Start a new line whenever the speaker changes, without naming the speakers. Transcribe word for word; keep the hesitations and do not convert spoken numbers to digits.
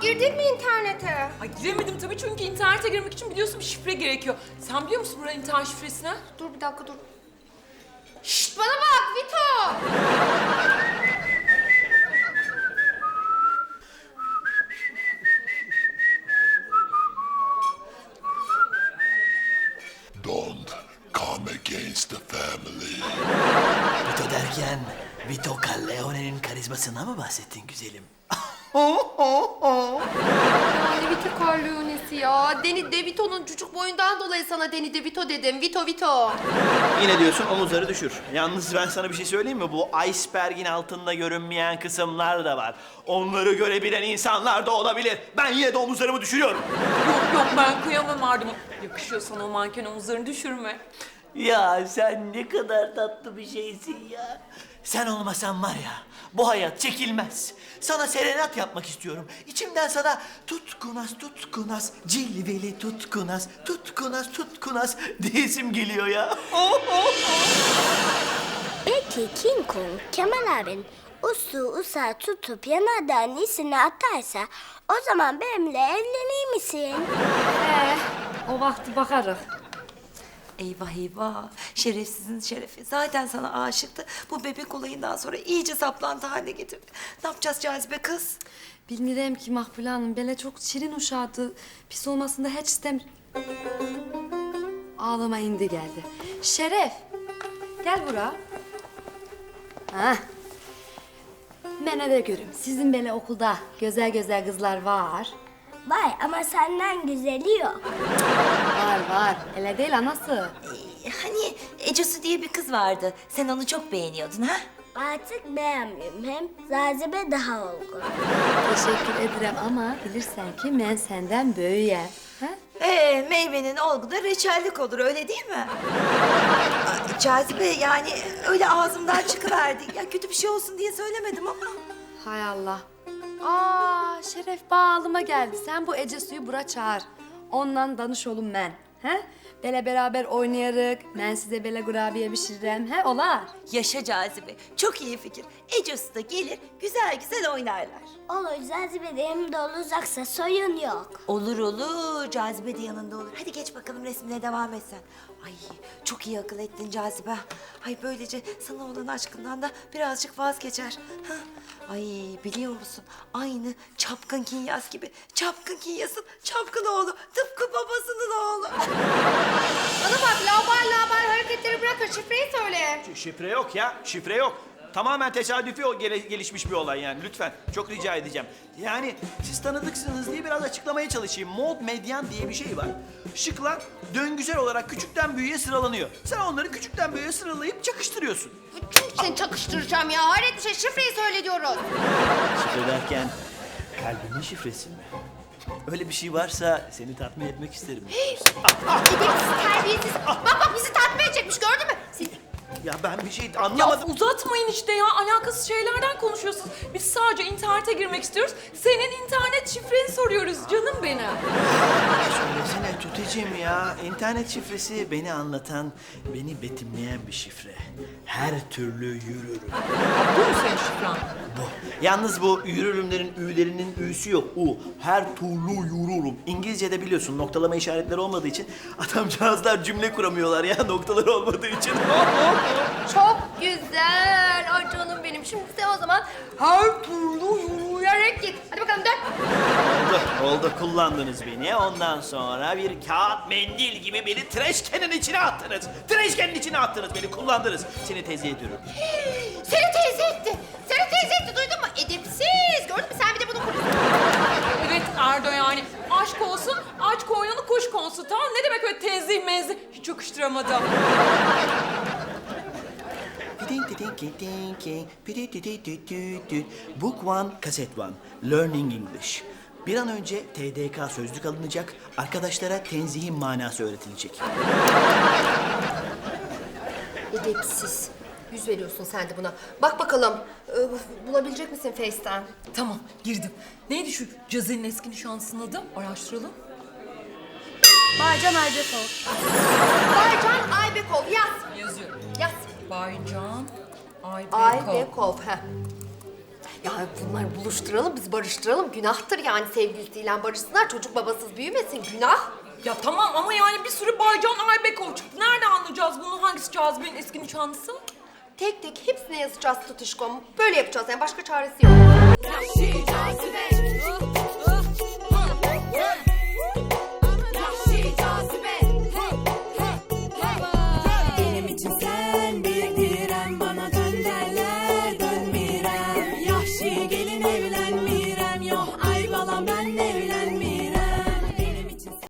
girdin mi internete?
Ay giremedim tabii çünkü internete girmek için biliyorsun bir şifre gerekiyor. Sen biliyor musun buranın internet şifresini?
Dur bir dakika dur. Şşt bana bak Vito!
Don't come against the family.
Vito derken Vito Corleone'nin karizmasından mı bahsettin güzelim?
Yani Vito Corleone'si ya. Danny DeVito'nun çocuk boyundan dolayı sana Danny DeVito dedim. Vito Vito.
Yine diyorsun omuzları düşür. Yalnız ben sana bir şey söyleyeyim mi? Bu iceberg'in altında görünmeyen kısımlar da var. Onları görebilen insanlar da olabilir. Ben yine de omuzlarımı düşürüyorum.
Yok yok ben kıyamam Arda'ma. Yakışıyor sana o manken omuzlarını düşürme.
Ya sen ne kadar tatlı bir şeysin ya. Sen olmasan var ya, bu hayat çekilmez. Sana serenat yapmak istiyorum. İçimden sana tutkunas tutkunas, cilveli tutkunas, tutkunas tutkunas diyesim geliyor ya.
Peki King Kong Kemal abin usu usa tutup yanardağın iyisini atarsa o zaman benimle evlenir misin?
Ee, o vakti bakarız.
Eyvah eyvah. Şerefsizin şerefi. Zaten sana aşıktı. Bu bebek olayından sonra iyice saplantı haline getirdi. Ne yapacağız Cazibe kız?
Bilmirəm ki Makbule Hanım, böyle çok şirin uşaqdı. Pis olmasını hiç istem... Ağlama indi geldi. Şeref, gel bura. Ha. Mənə də görüm, sizin belə okulda güzel güzel kızlar var.
Vay ama senden güzeli yok.
Var var, elə değil anası.
Ee, hani Ecosu diye bir kız vardı. Sen onu çok beğeniyordun ha?
Artık beğenmiyorum hem Zazibe daha olgun.
Teşekkür ederim ama bilirsen ki ben senden böyüyem. Ha?
Ee, meyvenin olgu da reçellik olur öyle değil mi? Aa, Cazibe yani öyle ağzımdan çıkıverdi. Ya kötü bir şey olsun diye söylemedim ama.
Hay Allah. Aa, Şeref bağlıma geldi. Sen bu Ece suyu bura çağır. Ondan danış olun ben. He? Bele beraber oynayarık. Ben size bele kurabiye pişiririm. He olar.
Yaşa Cazibe. Çok iyi fikir. Ecosu da gelir güzel güzel oynarlar.
Olur Zazibe de yanımda olacaksa soyun yok.
Olur olur. Cazibe de yanında olur. Hadi geç bakalım resmine devam et sen. Ay çok iyi akıl ettin Cazibe. Ay böylece sana olan aşkından da birazcık vazgeçer. Ha? Ay biliyor musun? Aynı Çapkın Kinyas gibi. Çapkın Kinyas'ın çapkın oğlu. Tıpkı babasının oğlu.
Bana bak laubal laubal hareketleri bırakın şifreyi söyle.
Şifre yok ya, şifre yok. Tamamen tesadüfi o gele- gelişmiş bir olay yani lütfen. Çok rica edeceğim. Yani siz tanıdıksınız diye biraz açıklamaya çalışayım. Mod medyan diye bir şey var. Şıklar döngüsel olarak küçükten büyüğe sıralanıyor. Sen onları küçükten büyüğe sıralayıp çakıştırıyorsun.
Çünkü seni çakıştıracağım ya. Hayret bir şey şifreyi söyle diyoruz.
Şifre derken kalbimin şifresi mi? Öyle bir şey varsa seni tatmin etmek isterim.
Edepsiz, terbiyesiz. Bak bak bizi tatmin edecekmiş gördün mü? Siz...
Ya ben bir şey
Ya
anlamadım.
uzatmayın işte ya. Alakasız şeylerden konuşuyorsunuz. Biz sadece internete girmek istiyoruz. Senin internet şifreni soruyoruz canım benim.
Söylesene Tuticim ya. İnternet şifresi beni anlatan, beni betimleyen bir şifre. Her türlü yürürüm.
Bu mu senin şifren?
Bu. Yalnız bu yürürümlerin ü'lerinin ü'sü yok. U. Her türlü yürürüm. İngilizce'de biliyorsun noktalama işaretleri olmadığı için adamcağızlar cümle kuramıyorlar ya noktaları olmadığı için.
Çok güzel. Ay canım benim. Şimdi sen o zaman her türlü yürüyerek git. Hadi bakalım dön.
Oldu, oldu. Kullandınız beni. Ondan sonra bir kağıt mendil gibi beni treşkenin içine attınız. Treşkenin içine attınız beni. Kullandınız. Seni tezih ediyorum.
Seni teyze etti. Seni teyze etti duydun mu? Edepsiz. Gördün mü sen bir de bunu kuruyorsun.
Evet Erdo yani. Aşk olsun, aç koynunu kuş konsu tamam. Ne demek öyle tenzih menzih? Hiç yakıştıramadım.
Book one, kaset one. Learning English. Bir an önce T D K sözlük alınacak, arkadaşlara tenzihin manası öğretilecek.
Edepsiz. Yüz veriyorsun sen de buna. Bak bakalım. e, Bulabilecek misin Face'ten?
Tamam girdim. Neydi şu Cazi'nin eski nişanlısının adı? Araştıralım.
Baycan Aybekov.
Baycan Aybekov yaz.
Yazıyorum.
Yaz.
Baycan Aybekov.
Aybekov. Heh.
Yani bunları buluşturalım, biz barıştıralım. Günahtır yani sevgilisiyle barışsınlar. Çocuk babasız büyümesin, günah.
Ya tamam ama yani bir sürü Baycan Aybekov çıktı. Nerede anlayacağız bunu? Hangisi Cazibe'nin eski nişanlısı?
Tek tek hepsine yazacağız tutuşkom. Böyle yapacağız yani başka çaresi yok.
Yahşi cazibe